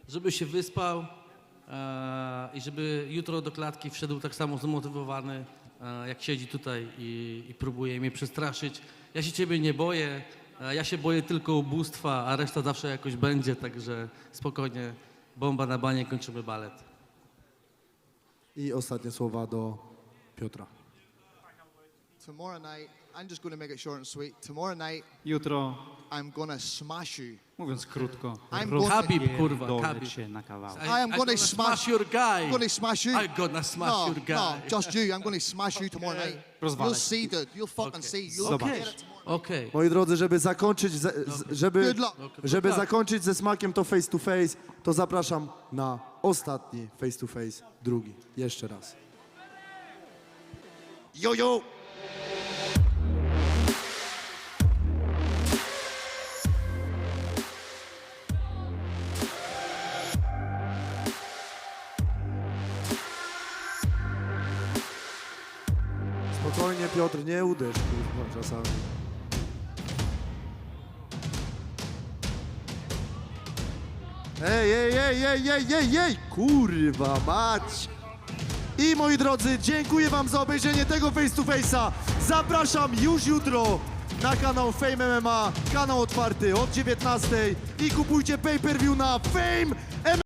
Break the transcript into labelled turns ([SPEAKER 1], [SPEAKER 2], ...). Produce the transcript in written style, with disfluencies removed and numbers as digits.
[SPEAKER 1] żeby się wyspał i żeby jutro do klatki wszedł tak samo zmotywowany, jak siedzi tutaj i próbuje mnie przestraszyć. Ja się ciebie nie boję, ja się boję tylko ubóstwa, a reszta zawsze jakoś będzie, także spokojnie, bomba na banie, kończymy balet.
[SPEAKER 2] I ostatnie słowa do Piotra.
[SPEAKER 3] Tomorrow night, I'm just going to make it short and sweet. Tomorrow night,
[SPEAKER 4] Jutro,
[SPEAKER 3] I'm going to smash you.
[SPEAKER 4] mówiąc krótko,
[SPEAKER 3] I'm going to,
[SPEAKER 1] Habib, kurwa,
[SPEAKER 4] rozpierdolę
[SPEAKER 1] Habib.
[SPEAKER 4] cię na kawałek.
[SPEAKER 3] I am gonna smash
[SPEAKER 1] your guy.
[SPEAKER 3] I'm going to smash you.
[SPEAKER 1] I'm gonna smash
[SPEAKER 3] no,
[SPEAKER 1] your guy.
[SPEAKER 3] No, just you. I'm going to smash you tomorrow night.
[SPEAKER 4] Rozwalę
[SPEAKER 3] You'll see, dude. You'll fucking see. You'll
[SPEAKER 4] Zobacz.
[SPEAKER 3] get it tomorrow.
[SPEAKER 1] Okej.
[SPEAKER 2] Moi drodzy, żeby zakończyć,
[SPEAKER 3] Good luck.
[SPEAKER 2] żeby zakończyć ze smakiem to face to face, to zapraszam na ostatni face to face, drugi. Jeszcze raz. Yo, yo! Spokojnie, Piotr, nie uderz, kurwa, czasami. Ej, ej, ej, ej, ej, ej, ej, kurwa mać! I moi drodzy, dziękuję wam za obejrzenie tego face to face'a. Zapraszam już jutro na kanał Fame MMA, kanał otwarty od 19:00 i kupujcie pay-per-view na Fame MMA.